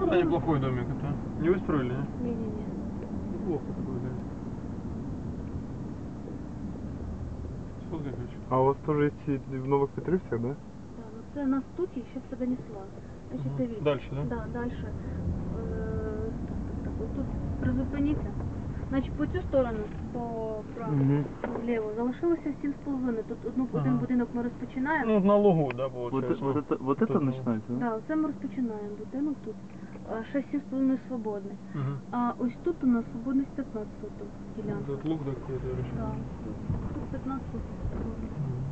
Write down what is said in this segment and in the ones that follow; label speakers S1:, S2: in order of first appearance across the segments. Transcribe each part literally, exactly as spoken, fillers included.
S1: Ну, да, неплохой домик это. Не вы строили, не?
S2: Не-не-не.
S1: Неплохо такой, да. Сфоткай хочу.
S3: А у вас тоже есть и в Новых Петрівцях, да?
S2: Да, ну це нас тут і ще це донесла. Значить,
S1: Ага.
S2: дивіться.
S1: Дальше, да?
S2: Да, дальше. Е, так, так, так, ось тут призупиніться. Значить, по цю сторону, по праву,
S3: Мгм.
S2: вліво, залишилося сім з половиною. Тут одну,
S1: Ага.
S2: один будинок ми розпочинаємо.
S1: Ну, на лугу, да,
S3: Вот,
S1: получается.
S3: вот это, вот это
S1: Тут, ну.
S3: начинается, да?
S2: Да, оце ми розпочинаємо будинок тут. А ще сім з половиною свободний.
S1: Мгм.
S2: А ось тут у нас свободність п'ятнадцять соток ділянка.
S1: Тут лук такой, да, решил.
S2: Да, тут п'ятнадцять соток свободних.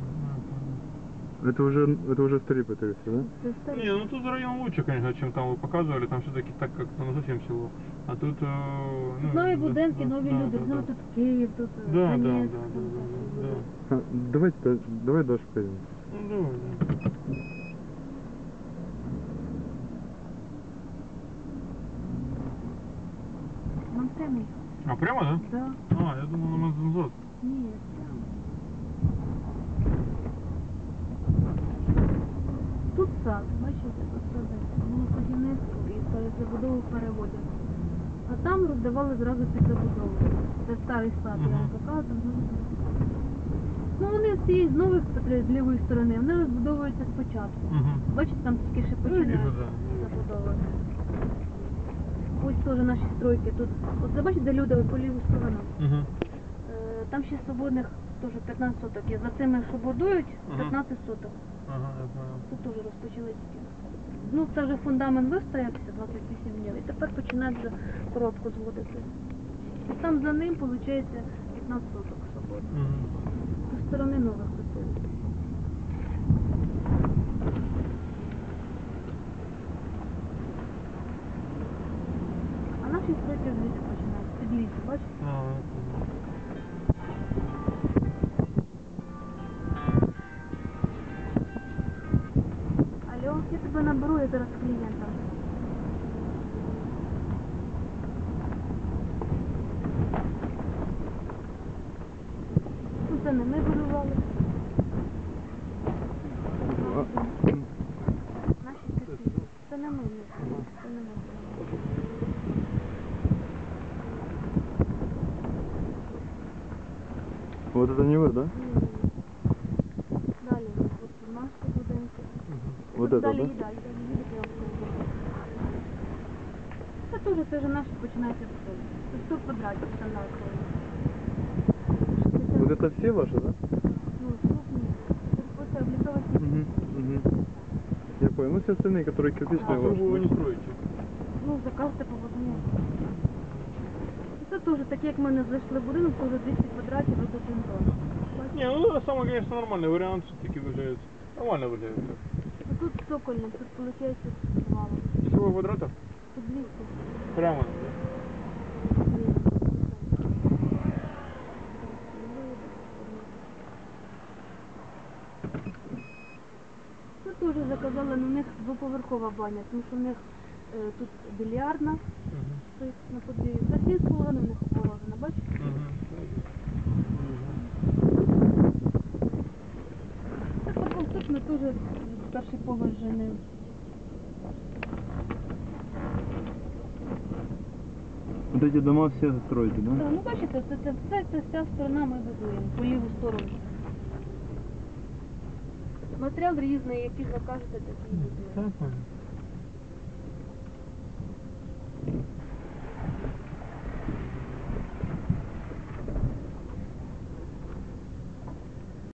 S3: Это уже, это уже старі Петрівці, да?
S2: Це старі.
S1: Не, ну тут район лучше, конечно, чем там вы показывали, там все-таки так как ну, совсем село. А тут... Э, ну,
S2: Тут нові
S1: да,
S2: будинки,
S1: да,
S2: нові
S1: да,
S2: люди.
S1: да,
S2: Ну,
S1: да.
S2: тут Київ, тут
S1: Да, да,
S2: Донецьк.
S1: да, да,
S2: там
S1: да,
S2: так,
S1: да.
S3: А, давайте, да- давай дальше пойдем.
S1: Ну, давай, да.
S2: Нам прямо.
S1: А, прямо, да?
S2: Да.
S1: А, я думал, на назад.
S2: Ні, прямо. Тут сад, бачите, тут сади. Було будівництво і перед забудову переводять. А там роздавали зразу під забудову. Це старий сад, я вам
S1: Мгм.
S2: показую. Ну вони з цієї з нових Петрів, з лівої сторони, вони розбудовуються спочатку.
S1: Угу.
S2: Бачите, там тільки ще
S1: Ну,
S2: починають
S1: вижу, да.
S2: забудовувати. Ось теж наші стройки тут. Оце бачите, де люди по ліву сторону.
S1: Угу.
S2: Е, Там ще свободних теж п'ятнадцять соток є. За цими, що будують,
S1: Мгм.
S2: п'ятнадцять соток.
S1: Ага, я понял.
S2: Тут теж розпочали тільки. Ну, це вже фундамент вистоявся двадцять вісім днів. І тепер починають вже коробку зводити. І там за ним, виходить, п'ятнадцять соток свободних.
S1: Угу.
S2: Зі сторони нових хотів. А наші стройки звідси починають. Під лісу, бачите?
S1: А, я понял.
S2: Алло, я тебе наберу, я зараз з клієнтом. Ну, це не ми будували.
S3: А,
S2: Наші такі. Це не ми, не це не ми.
S3: вот это не вы, да?
S2: Ні-ні-ні. Далі, от наші будинки.
S3: Вот
S2: Тут
S3: это,
S2: далі
S3: да?
S2: і далі, далі їдете, я вам скажу. Це теж, це вже наші починається все. Це сто квадратів стандартно.
S3: Вот это все ваши, да?
S2: Ну, крупні. Це облітова сітка.
S3: Угу, угу. Я понял. Ну все остальные, которые кирпичные,
S1: А
S3: ваши.
S1: вы не
S3: да?
S1: строите?
S2: Ну, заказте по водому. Це теж, так як ми не зайшли в будинок, теж двісті квадратів від один дом.
S1: Не, ну это самый, конечно, нормальный вариант, все-таки выглядит. Нормально выглядит.
S2: А тут цокольне, тут виходить мало.
S1: Всего квадратов?
S2: Тут двісті.
S1: Прямо.
S2: Тут теж заказали, на них двоповерхова баня, тому що в них е, тут більярдна,
S1: Угу.
S2: стоїть на подвір'ї. За сім з половиною в них положено, бачите? Так потім тут ми теж перший поверх жени.
S3: Вот эти дома все строите, да?
S2: Ну бачите, це, це все, це вся сторона ми будуємо, по ліву сторону. Матеріал різний, який закажете, такий будуємо.
S1: Так, понял.